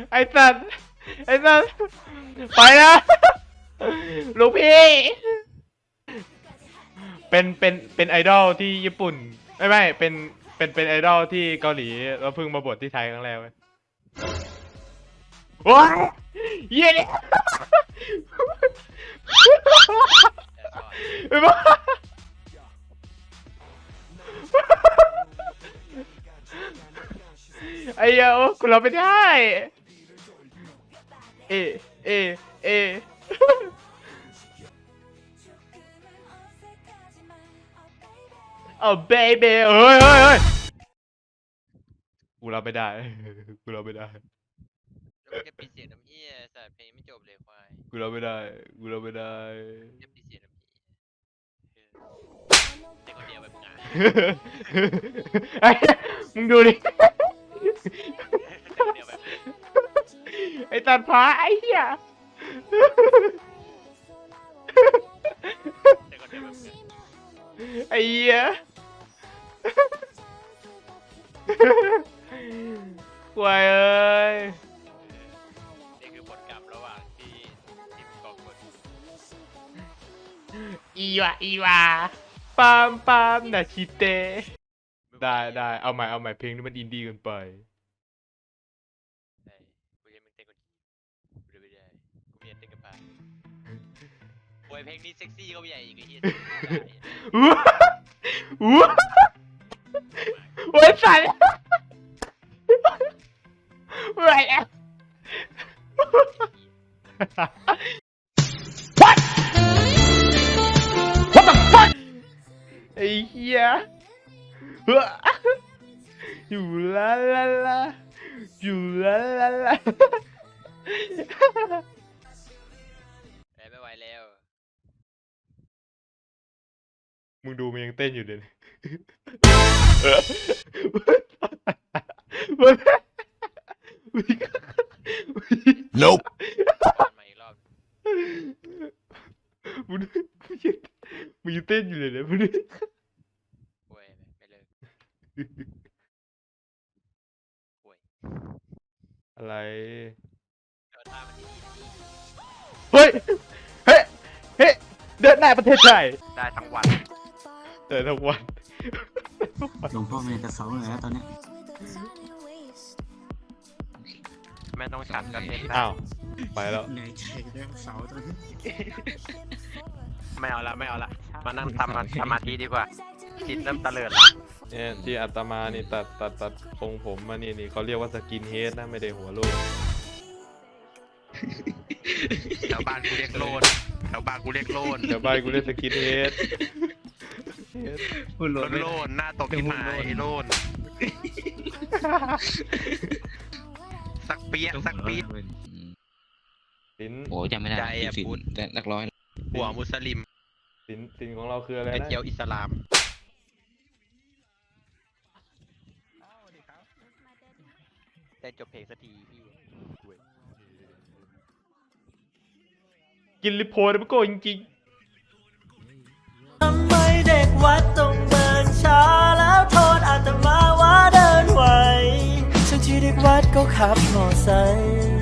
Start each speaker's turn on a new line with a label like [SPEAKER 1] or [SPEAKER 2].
[SPEAKER 1] ไอ้สัตว์ไอ้สัตว์ไปนะลูกพี่เป็นไอดอลที่ญี่ปุ่นไม่เป็นไอดอลที่เกาหลีแล้วเพิ่งมาบวชที่ไทยครั้งแรกเว้ยโอ้ยเยี่ยเนี่ยไอ้บ้าไอ้เหี้ยกูเราไม่ได้เอเอเอเอาเบบีเฮ้ยกูเราไม่ได้กูเราไม่ได้
[SPEAKER 2] แล้วก็ปิดเสียงน้ำเหี้ยสัตว์เพลงไม่จบเลยควาย
[SPEAKER 1] กูเราไม่ได้กูเราไม่ได้
[SPEAKER 2] จะปิดเสียงน้ำเหี้ยแต่คนเดียวแบบงาน
[SPEAKER 1] ไอ้มึงดูดิ
[SPEAKER 2] แต่คนเดียวแบบ
[SPEAKER 1] ไอ้ตัดผาไอ้เหี้ย
[SPEAKER 2] แต่คนเดียวแบบงาน
[SPEAKER 1] ไอ้เหี้ยกวยเอ้ย
[SPEAKER 2] นี่คือผลกรรมระหว่างที่ทีมกองคน
[SPEAKER 1] อีวาปามนาชิเตได้เอาใหม่เพลงนี้มันอินดี้เกินไป
[SPEAKER 2] ได้กูจะมึงเต้นคนกูไม่ได้กูไม่อยากเต้นกับปาโวยเพลงนี้เซ็กซี่ก็ไม่ใหญ่อีกไอ้เหี้ย
[SPEAKER 1] อู้โอ้ยสั่นเมื่อยแล้ว What the fuck ไอ้เหี้ยอยู่ลาอยู่ลา
[SPEAKER 2] ไม่ไหวแล้ว
[SPEAKER 1] มึงดูมันยังเต้นอยู่เดี๋ยวนี้
[SPEAKER 3] Nope
[SPEAKER 2] มาอีกรอบ
[SPEAKER 1] มึงยังเต้นอยู่เลยเนี่ยมึง
[SPEAKER 2] โวยไม่เลิกโวย
[SPEAKER 1] อะไร
[SPEAKER 2] เดินตามมันดี
[SPEAKER 1] เฮ้ยเดินหน้าประเทศไทย
[SPEAKER 2] ได้ทั้งวัน
[SPEAKER 1] เดินทั้งวัน
[SPEAKER 4] หลวงพ่อเมย์จะเสาเลยแล้วตอนนี้
[SPEAKER 2] แม่ต้องฉันกันเอง
[SPEAKER 1] อ้าวไปแล้ว
[SPEAKER 4] เหนื่อยใจเรื่องเสาตอนนี้
[SPEAKER 2] ไม่เอาละมานั่งทำสมาธิดีกว่าจิตเริ่มตะเลิดละ
[SPEAKER 1] เนี่ยที่อาตมานี่ตัดทรงผมมานี่เขาเรียกว่าสกินเฮดนะไม่ได้หัวโลก
[SPEAKER 2] แถวบ้านกูเรียกโลนแถวบ้านกูเรียกโลน
[SPEAKER 1] เดี๋ยวบ้านกูเรียกสกินเฮด
[SPEAKER 2] โลนหน้าตกที่หมายโลนสักเปี๊ยะ
[SPEAKER 1] สิน
[SPEAKER 4] โอ้ยจำไม่ได้
[SPEAKER 2] ใจอะ
[SPEAKER 4] สิ
[SPEAKER 2] พุทธ
[SPEAKER 4] แต่หลักร้อย
[SPEAKER 2] หัวมุสลิม
[SPEAKER 1] สินของเราคืออะไร
[SPEAKER 2] ไอ
[SPEAKER 1] นะ
[SPEAKER 2] เจียวอิสลามได้จบเพลงสักทีพี่
[SPEAKER 1] กินลิโพนมันโกจริง
[SPEAKER 5] ทำไมเด็กวัดต้องเดินช้าแล้วโทษอาตมาว่าเดินไหวทั้งที่เด็กวัดก็ขับมอไซค์